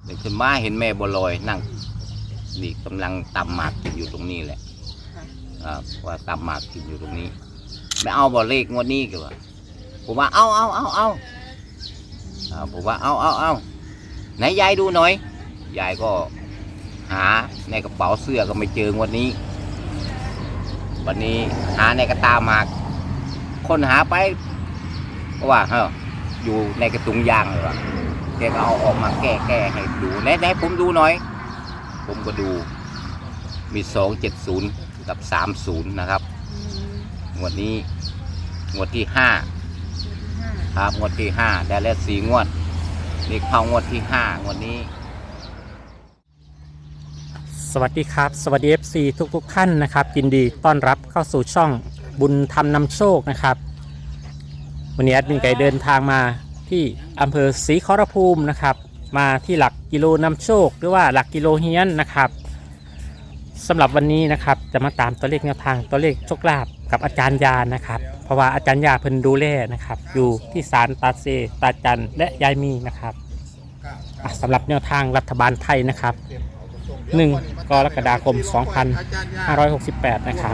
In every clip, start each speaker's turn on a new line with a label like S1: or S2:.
S1: เดินขึ้นมาเห็นแม่บัวลอยนั่งนี่กำลังตำหมากกินอยู่ตรงนี้แหละว่าตำหมากกินอยู่ตรงนี้ไม่เอาบ่เลขงวดนี้กันวะผมว่าเอาผมว่าเอาไหนยายดูหน่อยยายก็หาในกระเป๋าเสื้อก็ไม่เจองวดนี้วันนี้หาในกระตาหมากคนหาไปก็ว่าอยู่ในกระตุงยางเลยวะแกก็เอาออกมาแก้ให้ดูไหนผมดูหน่อยผมก็ดูมี270กับ30นะครับงวดนี้งวดที่5ครับงวดที่5ได้แล้ว4 งวดนี่เข้างวดที่5งวดนี้
S2: สวัสดีครับสวัสดี FC ทุกท่านนะครับยินดีต้อนรับเข้าสู่ช่องบุญธรรมนำโชคนะครับวันนี้แอดมินไก่เดินทางมาที่อำเภอศรีขอรภูมินะครับมาที่หลักกิโลนำโชคหรือว่าหลักกิโลเฮียนนะครับสำหรับวันนี้นะครับจะมาตามตัวเลขแนวทางตัวเลขโชคลาภกับอาจารย์ยานะครับเพราะว่าอาจารย์ยาเพิ่นดูแลนะครับอยู่ที่ศาลตาเซตาจันและยายมีนะครับสำหรับแนวทางรัฐบาลไทยนะครับ1 กรกฎาคม 2568 นะครับ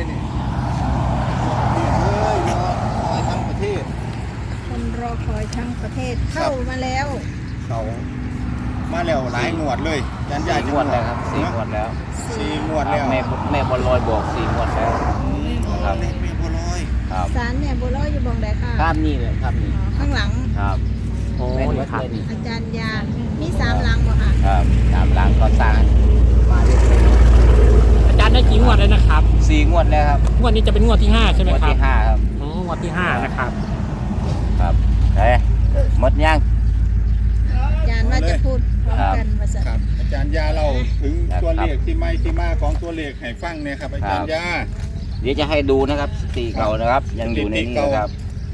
S3: คนรอคอยทั้งประเทศเข้ามาแล้ว
S4: เขามาแล้วหลายงวดเลยยันยา
S1: 4 งวดแล้วครับ4 งวดแล้ว
S4: 4 งวดแล้ว
S1: แม่บัวลอยบอก4 งวดแล้วครับ
S4: แม่บัวลอย
S1: ครับ
S3: ศาลเนี่ยบัวลอยอยู่บองใดค่ะ
S1: ข้ามนี่เลยครับนี่
S3: ข้างหลัง
S1: ครับ
S2: โอ้
S1: แม่น
S2: ย
S1: วัด
S2: ครับ
S1: เลยนี่
S3: อาจารย์ยามี3 หลังบ่ค่ะ
S1: ครับ3 หลังก็สร้างมาเรื่อย
S2: อาจารย์ได้กี่งวดเลยนะครับ
S1: ๆ4 งวดแล้วครับ
S2: งวดนี้จะเป็นงวดที่5ใช่ไหม
S1: งวด
S2: ครับ
S1: ที่5ครับ
S2: งวดที่5นะครับ
S1: ครับหมดยัง
S3: อาจารย์ว่าจะพูดพร้อมกันว่าจะ
S4: ครับอาจารย์ยาเราถึงตัวเลขที่มาของตัวเลขให้ฟังเนี่ยครับอาจารย์ยา
S1: เดี๋ยวจะให้ดูนะครับสติเก่านะครับยังอยู่ในนี้นะครับ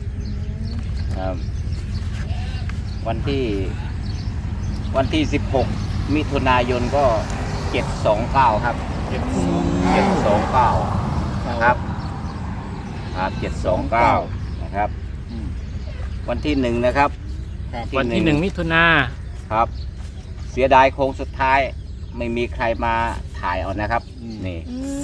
S1: วันที่16 มิถุนายนก็729ครับ729นะครับ729นะครับวันที่1นะครับ
S2: วันที่1 มิถุนา
S1: ครับเสียดายโค้งสุดท้ายไม่มีใครมาถ่ายเอานะครับนี่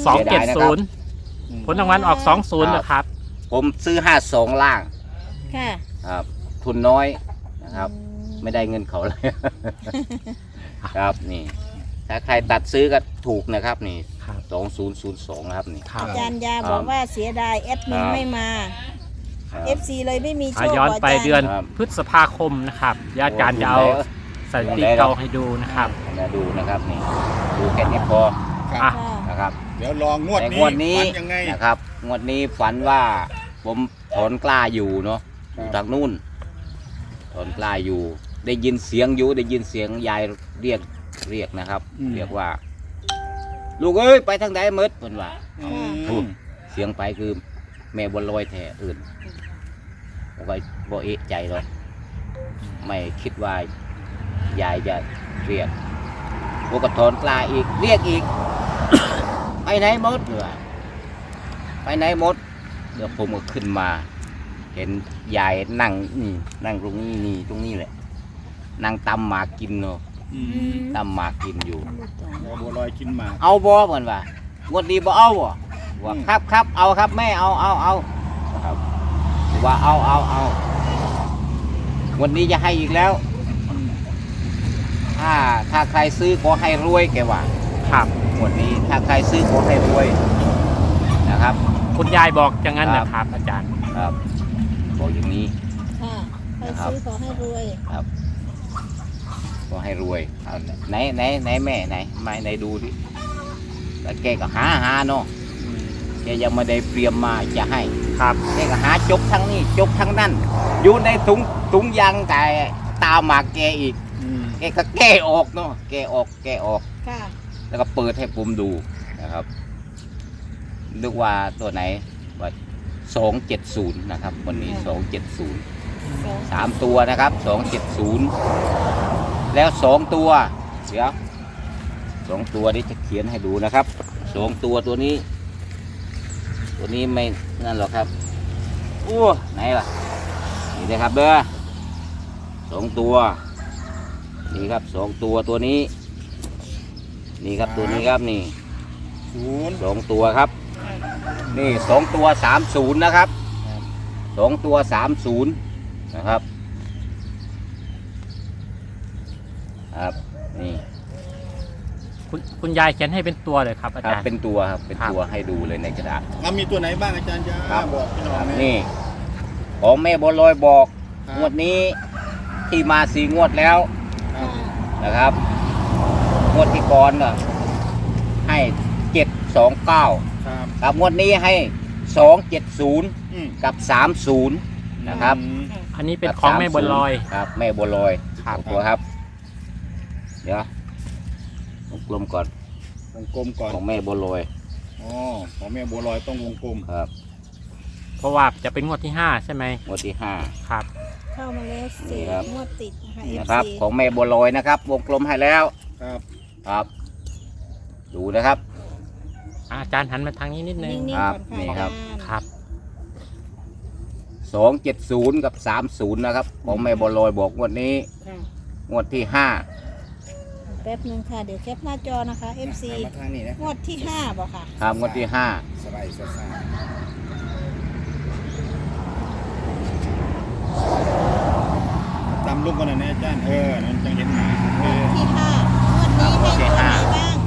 S2: 270ผลรางวัลออก20นะครับ
S1: ผมซื้อ52ล่าง
S3: ค่ะ
S1: ครับทุนน้อยนะครับไม่ได้เงินเขาเลย ครับนี่ถ้าใครตัดซื้อก็ถูกนะครับนี่2002นะครับนี่
S3: อาจารย์ยาบอกว่าเสียดายแอดมินไม่มา FC เลยไม่มีโชค
S2: ย้อนไปเดือน
S1: ครับ
S2: พฤษภาคมนะครับยาอาจารย์จะเอาสถิติเก่าให้ดูนะครับ
S1: มาดูนะครับนี่ดูแค่นี้พอ
S2: อ่ะ
S3: ค่ะ
S1: นะครับ
S4: เดี๋ยวลองงวด
S1: แต่
S4: นี้
S1: งวดนี้
S4: ฝันยังไง
S1: นะครับงวดนี้ฝันว่าผมถอนกล้าอยู่เนาะอยู่ทางนู่นถอนกล้าอยู่ ได้ยินเสียงยายเรียกนะครับ เรียกว่า ลูกเอ้ยไปทางไหนมืดเพิ่นว่า
S4: อืม
S1: เสียงไปคือแม่บัวลอยแท้อื่นผมก็บ่เอะใจหรอกไม่คิดว่ายายจะเรียกพวกกระถอนกล้าอีกเรียกอีก ไปไหนหมดเหรอไปไหนหมดเดี๋ยวผมก็ขึ้นมา เห็นยายนั่งนั่งตรงนี้แหละนั่งตำหมากกินเนาะ
S4: อืม
S1: ตำหมากกินอยู่
S4: แม่บัวลอยกินหมาก
S1: เอาบ่เหมือนว่างวดนี้บ่เอาบ่ว่าครับเอาครับแม่เอาครับว่าเอาวันนี้จะให้อีกแล้ว ถ้าใครซื้อขอให้รวยแกว่า
S2: ครับ
S1: งวดนี้ถ้าใครซื้อขอให้รวยนะครับ
S2: คุณยายบอกอย่างนั้นนะครับ อาจารย์
S1: ครับบอกอย่างนี้
S3: ค่ะใครซื้อขอให้รวย
S1: ครับขอให้รวยเอาไหนแม่ไหนดูดิแล้วแกก็หาเนาะแกยังไม่ได้เตรียมมาจะให้
S2: ครับ
S1: แกก็หาจกทั้งนี้จกทั้งนั้นอยู่ในถุงยางแต่ตาหมากแกอีก
S4: อืม
S1: แกก็แก้ออกเนาะแกออก
S3: ค่ะ
S1: แล้วก็เปิดให้ผมดูนะครับนึกว่าตัวไหนว่า270นะครับวันนี้270 3 ตัวนะครับ270แล้ว2ตัวเดี๋ยว2ตัวนี้จะเขียนให้ดูนะครับ2ตัวนี้ไม่นั่นหรอกครับโอ้ไหนล่ะนี่นะครับเด้อ2ตัวนี่ครับสองตัวตัวนี้ นี่ครับตัวนี้ครับนี่
S4: 0
S1: สองตัวครับ นี่สองตัว30นะครับสองตัว30นะครับครับนี่
S2: คุณยายเขียนให้เป็นตัวเลยครับอา
S1: ครับ
S2: จารย์
S1: เป็นตัวครับเป็นตัวให้ดูเลยในกระดาษ
S4: มีตัวไหนบ้างอาจารย์ยา
S1: ครับ
S4: บอกพี่น้อง
S1: นี่ของแม่บัวลอยบอก
S4: ครับ
S1: งวดนี้ที่มา4 งวดแล้ว
S4: ครับ
S1: นะครับงวดที่ก่อนน่ะให้729
S4: ครับ
S1: ครับงวดนี้ให้270
S4: อืม
S1: กับ30นะครับ
S2: อันนี้เป็นของแม่บัวลอย
S1: ครับแม่บัวลอย
S2: ครับ
S1: สองตัวครับ เดี๋ยววงกลมก่อน
S4: วงกลมก่อน
S1: ของแม่บัวลอย
S4: อ๋อของแม่บัวลอยต้องวงกลม
S1: ครับ
S2: เพราะว่าจะเป็นงวดที่ 5 ใช่ไหม
S1: งวดที่
S2: ครับ
S3: เข้ามาแล้ว
S1: นี่ครับ
S3: 4 งวดติดนะคะ
S1: 5
S3: FC
S1: นะครับ ของแม่บัวลอยนะครับ วงกลมให้แล้ว
S4: ครับ
S1: ครับ ดูนะครับ
S2: อาจารย์หันมาทางนี้นิดนึง
S3: นิ่ง
S1: ค
S3: ๆ
S1: รั
S3: ก่
S1: บ
S3: อนค่ะ
S1: นี่
S3: อา
S1: ครั
S3: จา
S1: บ
S3: รย์
S2: ครับ
S1: 270กับ30นะครับ ของแม่บัวลอยบอกงวดนี้
S3: ค่ะ
S1: งวดที่
S3: แป๊บนึงค่ะ เดี๋ยวแคปหน้าจอนะคะ FC
S4: มาทางนี้นะ
S3: งวดที่5บอกค่ะ
S1: 5ครับงวดที่
S4: สบายสดใสตำลูกกันหน่อยนะอาจารย์นั่นจังเห็นหนา
S3: งวดที่5งวดนี้ให้ตัวไหนบ้าง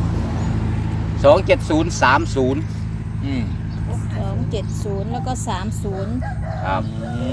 S1: 5 270 30
S4: อืม
S3: 270 แล้วก็ 30
S1: ครับ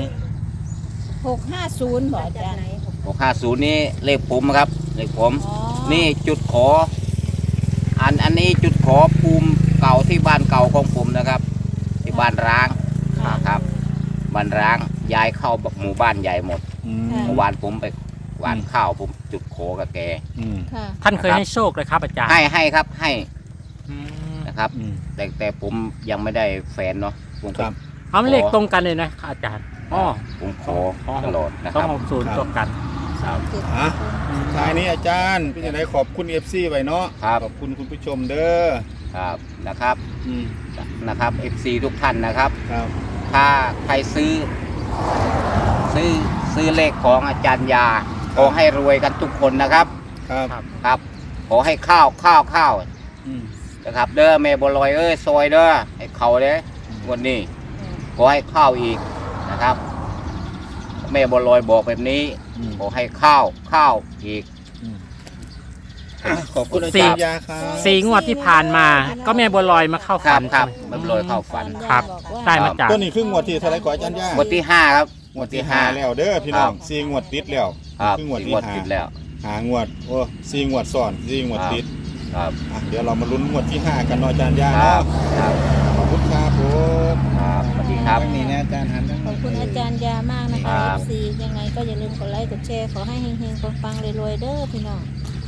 S3: 650บอกอาจารย์
S1: 650นี่เลขผมครับเลขผม
S3: อ๋อ
S1: นี่จุดขอ อันนี้จุดขอภูมิเก่าที่บ้านเก่าของผมนะครับ ที่บ้านร้างครับบ้านร้างย้ายเข้าหมู่บ้านใหญ่หมด
S4: อืม
S1: เมื่อวานผมไปหวานข้าวผมจุดขอกับแก
S4: อืม
S3: ค่ะ
S2: ท่านเคยให้โชคเลยครับอาจารย์
S1: ให้ครับให้
S2: อืม
S1: นะครับ
S4: อืม
S1: แต่ผมยังไม่ได้แฟนเนาะผม
S4: ค
S1: ก็
S4: รับ
S2: เอาเลขตรงกันเลยนะอาจารย์อ๋อ
S1: ผมขอตลอดนะค
S2: ต้อง
S1: รับ
S2: 60ตรงกัน
S1: ครับ
S4: อ่ะท้ายนี้อาจารย์พี่จะได้ขอบคุณ FC ไว้เนาะ
S1: ครับ
S4: ขอบคุณคุณผู้ชมเด้อ
S1: ครับนะครับ
S4: อืม
S1: นะครับ FC ทุกท่านนะครับ
S4: ครับ
S1: ถ้าใครซื้อเลขของอาจารย์ยาขอให้รวยกันทุกคนนะครับ
S4: ครับ
S2: ครับ
S1: ครับ ขอให้ข้าว
S4: อืม
S1: นะครับ เด้อแม่บัวลอยซอยเด้อให้เขาเด้วันนี้ขอให้ข้าวอีกนะครับ แม่บัวลอยบอกแบบนี้
S4: อืม
S1: ขอให้ข้าวอีก
S4: ขอบคุณอาจารย์ยาครับ
S2: 4 งวดที่ผ่านมา ก็แม่บัวลอยมาเข้า
S1: ครั
S2: ฝั
S1: บ
S2: น
S1: ครับ
S2: ใช่ไหม
S1: แม่บัวลอยเข้าฝัน
S2: ครับ ได้มาจาก
S4: ตัวนี้คืองวดที่เท่าไหรก่อนอาจารย์ยาง
S1: วดที่ 5 ครับ
S4: งวดที่5แล้วเด้อพี่น้อง
S1: ครับ
S4: 4 งวดติดแล้ว
S1: ครับ
S4: คืองวด
S1: สี่
S4: ที่
S1: งวดติดแล้ว
S4: 5งวดโอ้4 งวดซ้อน4 งวดติด
S1: ครับ
S4: อ่ะเดี๋ยวเรามาลุ้นงวดที่ 5 กันเนาะอาจารย์ยา
S1: ครั
S4: เนาะ
S1: บครับ
S4: ขอบคุณครับผม
S1: ครับสวัสดีครับ
S4: นี่นะอาจารย์หันนะ
S3: ขอบคุณอาจารย์ยามากนะคะ
S1: ครับ
S3: FC ยังไงก็อย่าลืมกดไลค์กดแชร์ขอให้เฮงๆปังๆรวยๆเด้อพี่น้อง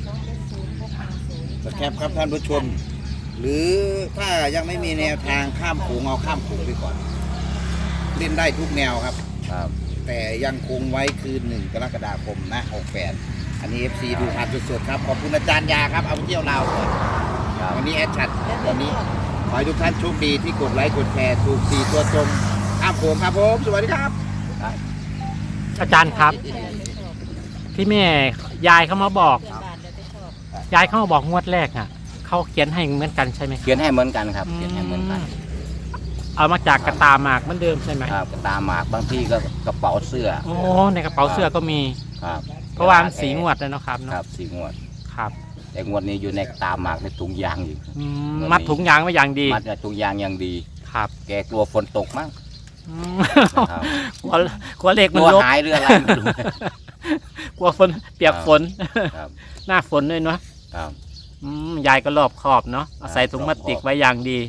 S5: สแคปครับท่านผู้ชม หรือถ้ายังไม่มีแนวทางข้ามโขงเอาข้ามโขงไปก่อน เล่นได้ทุกแนวครับ
S1: ครับ
S5: แต่ยังคงไว้คือ1 กรกฎาคมนะ68อันนี้ FC ดูผ่านสดๆครับ ขอบคุณอาจารย์ยาครับ เอาไปเที่ยวลาวก่อน
S1: ครับ
S5: วันนี้แอดชัดวันนี้ ขอให้ทุกท่านโชคดีที่กดไลค์กดแชร์ถูก4 ตัวตรงข้ามโขงครับผม สวัสดีครับ
S2: อาจารย์ครับ ที่แม่ยายเขามาบอก ยายเขามาบอกงวดแรกอ่ะเขาเขียนให้เหมือนกันใช่ไหมครับ
S1: เขียนให้เหมือนกันครับ เขียนให้เหมือนกัน
S2: เอามาจากกระตาหมากเหมือนเดิมใช่ไหม
S1: ครับตาหมากบางทีก็กระเป๋าเสื้อ
S2: โอ้ในกระเป๋าเสื้อก็มี
S1: ครับ
S2: เพราะว่ามันสีงวดเลยเนาะครับ
S1: ค
S2: เนาะ
S1: รับสีงวด
S2: ครับ
S1: แต่งวดนี้อยู่ในตาหมากในถุงยางอยู่
S2: อืม
S1: งวดนี้
S2: มัดถุงยางไว้อย่างดี
S1: มัดในถุงยางอย่างดี
S2: ครับ
S1: แกกลัวฝนตกมั้ง
S2: อืม
S1: นะครับ
S2: กลัวเหล็ก
S1: ก
S2: มัน
S1: ลัว
S2: ลบ
S1: หายหรืออะไรไม่รู้
S2: กลัวฝนเปียกฝน
S1: ครับ
S2: หน้าฝนด้วยเนาะ
S1: ครับ
S2: ยายก็รอบขอบเนาะเอาใส่ถุงพลาสติกไว้อย่างดี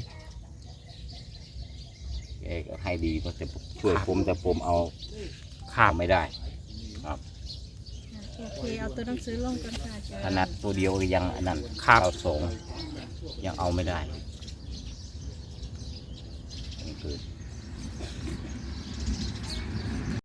S1: แกก็ให้ดีก็จะช่วยผมแต่ผมเอา
S2: ครับ
S1: ไม่ได้
S3: โอเคเอาตัวหนังสือลงกันค่ะอาจารย์
S1: ขนาดตัวเดียวก็ยังอันนั้น
S2: ครับ
S1: เอาสองยังเอาไม่ได้นี่คือ